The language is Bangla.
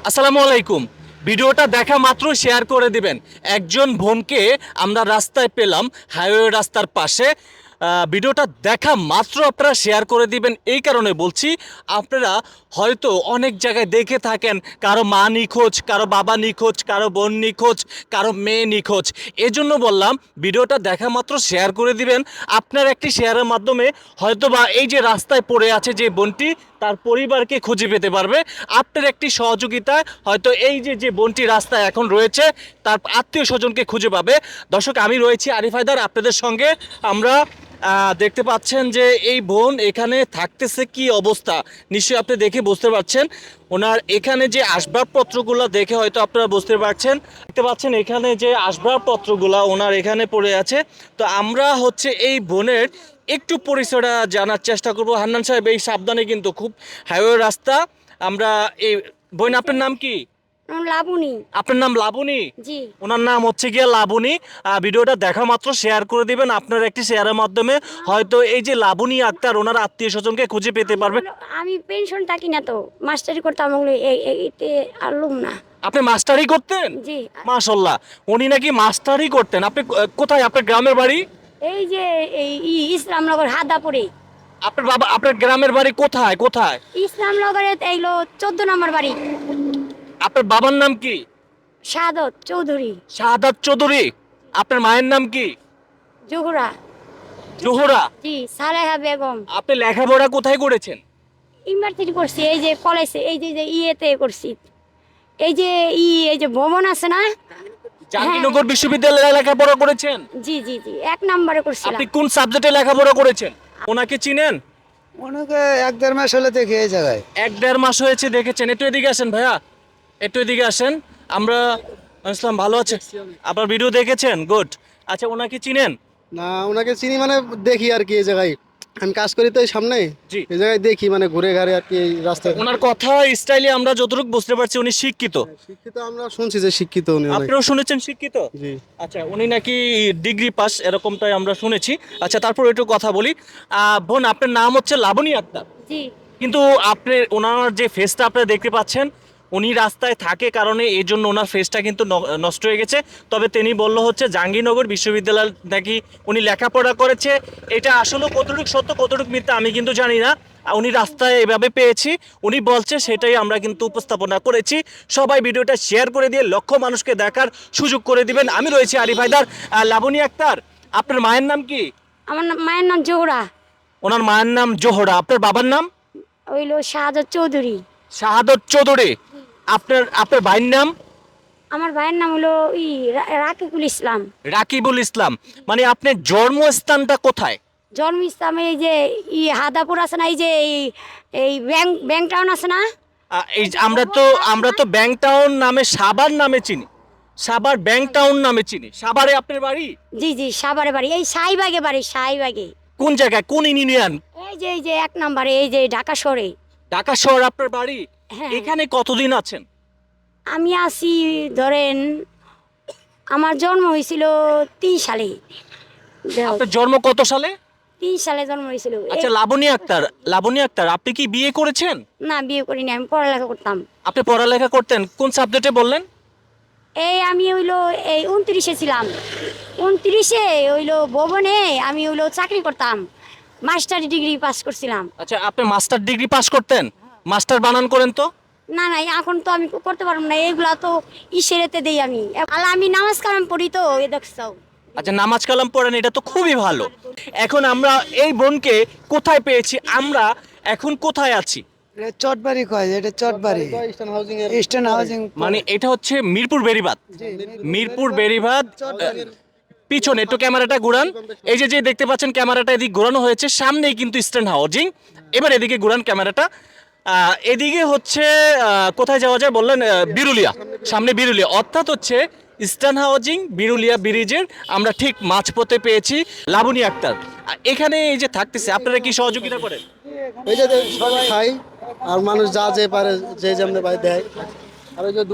আসসালামু আলাইকুম। ভিডিওটা দেখা মাত্র শেয়ার করে দিবেন। একজন বোনকে আমরা রাস্তায় পেলাম, হাইওয়ে রাস্তার পাশে। ভিডিওটা দেখা মাত্র আপনারা শেয়ার করে দিবেন। এই কারণে বলছি, আপনারা হয়তো অনেক জায়গায় দেখে থাকেন কারো মা নিখোঁজ, কারো বাবা নিখোঁজ, কারো বোন নিখোঁজ, কারো মেয়ে নিখোঁজ। এজন্য বললাম ভিডিওটা দেখা মাত্র শেয়ার করে দিবেন। আপনার একটি শেয়ারের মাধ্যমে হয়তোবা এই যে রাস্তায় পড়ে আছে যে বোনটি, তার পরিবারকে খুঁজে পেতে পারবে। আপনার একটি সহযোগিতায় হয়তো এই যে বোনটি রাস্তায় এখন রয়েছে তার আত্মীয় স্বজনকে খুঁজে পাবে। দর্শক, আমি রয়েছি আরিফ হায়দার আপনাদের সঙ্গে। আমরা দেখতে পাচ্ছেন যে এই বোন এখানে থাকতেছে, কি অবস্থা নিশ্চয়ই আপনি দেখে বুঝতে পারছেন। ওনার এখানে যে আসবাবপত্রগুলো দেখে হয়তো আপনারা বুঝতে পারছেন। দেখতে পাচ্ছেন এখানে যে আসবাবপত্রগুলো ওনার এখানে পড়ে আছে। তো আমরা হচ্ছে এই বোনের একটু পরিচয়টা জানার চেষ্টা করব। হান্নান সাহেব, এই সাবধানে, কিন্তু খুব হাইওয়ে রাস্তা। আমরা এই বোন, আপনার নাম কি? লাবণী। আপনার নাম লাবণী? জি। ওনার নাম হচ্ছে গিয়ে লাবণী। ভিডিওটা দেখা মাত্র শেয়ার করে দিবেন। আপনার একটি শেয়ারের মাধ্যমে হয়তো এই যে লাবণী আক্তার ওনার আত্মীয় স্বজনকে খুঁজে পেতে পারবে। আমি পেনশন থাকি না, তো মাস্টারি করতাম, ওগুলো এইতে আলুম না। আপনি মাস্টারি করতেন? জি। মাশাআল্লাহ, উনি নাকি মাস্টারি করতেন। আপনি কোথায়, আপনার গ্রামের বাড়ি? এই যে ইসলামনগর হাদাপুরে। আপনার বাবা, আপনার গ্রামের বাড়ি কোথায় কোথায়? ইসলামনগরে এইলো 14 নম্বর বাড়ি। আপনার বাবার নাম কি? শাহাদত চৌধুরী। শাহাদাত চৌধুরী। আপনার মায়ের নাম কি? জোহরা। জোহরা। জি, সালেহা বেগম। আপনি লেখাপড়া কোথায় করেছেন? ইউনিভার্সিটি করছি, এই যে কলেজে, এই যে ইয়েতে করছি। এই যে ভবন আছে না। জাহাঙ্গীরনগর বিশ্ববিদ্যালয়ে লেখাপড়া করেছেন? জি জি জি, 1 নম্বরে করছিলাম। আপনি কোন সাবজেক্টে লেখাপড়া করেছেন? ওনাকে চিনেন? ওনাকে 1-1.5 মাস হলে দেখি এই জায়গায়। 1-1.5 মাস হয়েছে দেখেছেন। একটু এদিকে আসেন ভাইয়া, একটু এদিকে আসেন। আমরা ইসলাম ভালো আছে, আপনার ভিডিও দেখেছেন, গুড। আচ্ছা, ওনাকে চিনেন? না, ওনাকে চিনি মানে দেখি আর কি এই জায়গায়। আমি কাজ করি তো এই সামনে, জি। এই জায়গায় দেখি মানে ঘুরে ঘাড়ে আর কি এই রাস্তায়। ওনার কথা স্টাইলে আমরা যতটুকু বুঝতে পারছি উনি শিক্ষিত। শিক্ষিত, আমরা শুনছি যে শিক্ষিত উনি অনেক। আপনিও শুনেছেন শিক্ষিত? জি। আচ্ছা, উনি নাকি ডিগ্রি পাস এরকমটাই আমরা শুনেছি। আচ্ছা, তারপর একটু কথা বলি। বোন, আপনার নাম হচ্ছে লাবণী আক্তার, জি। কিন্তু আপনি ওনার যে ফেসটা আপনারা দেখতে পাচ্ছেন, উনি রাস্তায় থাকে কারণে এই জন্য ওনার ফেসটা কিন্তু নষ্ট হয়ে গেছে। তবে তিনি বলল হচ্ছে জাহাঙ্গীরনগর বিশ্ববিদ্যালয় নাকি উনি লেখাপড়া করেছে। এটা আসলে কতটুকু সত্য কতটুকু মিথ্যা আমি কিন্তু জানি না। উনি রাস্তায় এভাবে পেয়েছি, উনি বলছে, সেটাই আমরা কিন্তু উপস্থাপনা করেছি। সবাই ভিডিওটা শেয়ার করে দিয়ে লক্ষ মানুষকে দেখার সুযোগ করে দিবেন। আমি রয়েছি আরিফ হায়দার। লাবণী আক্তার, আপনার মায়ের নাম কি? আমার মায়ের নাম জোহরা। ওনার মায়ের নাম জোহরা। আপনার বাবার নাম? হইলো শাহাদত চৌধুরী। শাহাদত চৌধুরী। আপনার আপনার ভাইয়ের নাম? আমার ভাইয়ের নাম হলো রাকিবুল ইসলাম। রাকিবুল ইসলাম। মানে আপনার জন্মস্থানটা কোথায়? জন্ম ইসলাম এই যে হাদাপুর আছে না, এই যে এই ব্যাংক টাউন আছে না। এই যে আমরা তো ব্যাংক টাউন নামে, সাভার নামে চিনি। সাভার ব্যাংক টাউন নামে চিনি। সাভারে আপনার বাড়ি? জি জি, সাভারে বাড়ি, এই শাহিবাগে বাড়ি, শাহিবাগে। কোন জায়গায়, কোন ইউনিয়ন? এই যে 1 নম্বরে, এই যে ঢাকা শহরে। ঢাকা শহর আপনার বাড়ি? হ্যাঁ। এখানে কতদিন আছেন? আমি আছি, ধরেন আমার জন্ম হয়েছিল 3 সালে। আপনার জন্ম কত সালে? 3 সালে জন্ম হয়েছিল। আচ্ছা, লাবণী আক্তার, লাবণী আক্তার, আপনি কি বিয়ে করেছেন? না, বিয়ে করিনি, আমি পড়ালেখা করতাম। আপনি পড়ালেখা করতেন কোন সাবজেক্টে বললেন? আমি হইলো এই 29-এ ছিলাম। 29-এ হইলো ভবনে আমি হইলো চাকরি করতাম, মাস্টার ডিগ্রি পাস করছিলাম। আচ্ছা, আপনি মাস্টার ডিগ্রি পাস করতেন? মাস্টার বানান করেন তো। না না, এখন তো আমি করতে পারবো না, এইগুলা তো ইসেরেতে দেই আমি। আল্লাহ, আমি নামাজ কালাম পড়ি তো, এ দেখছো। আচ্ছা, নামাজ কালাম পড়েন, এটা তো খুবই ভালো। এখন আমরা এই বোনকে কোথায় পেয়েছি, আমরা এখন কোথায় আছি? এটা চটবাড়ি কয়, এটা চটবাড়ি ইস্টার্ন হাউজিং এর ইস্টার্ন হাউজিং। মানে এটা হচ্ছে মিরপুর বেড়িবাঁধ। মিরপুর বেড়িবাঁধ পিছনে একটু ক্যামেরাটা ঘুরান। এই যে যে দেখতে পাচ্ছেন ক্যামেরাটা এদিকে ঘোরানো হয়েছে, সামনেই কিন্তু ইস্টার্ন হাউজিং। এবার এদিকে ঘুরান ক্যামেরাটা। এদিকে হচ্ছে কোথায় যাওয়া যায় বললেন? বিরুলিয়া। সামনে বিরুলিয়া, অর্থাৎ হচ্ছে ইস্টার্ন হাউজিং বিরুলিয়া ব্রিজের আমরা ঠিক মাঝপথে পেয়েছি লাবণী আক্তার। এখানে এই যে থাকতেছে, আপনারা কি সহযোগিতা করেন? এই যে সবাই খাই আর মানুষ যা যে পারে যে যেমন পারে দেয়। আর ওই যে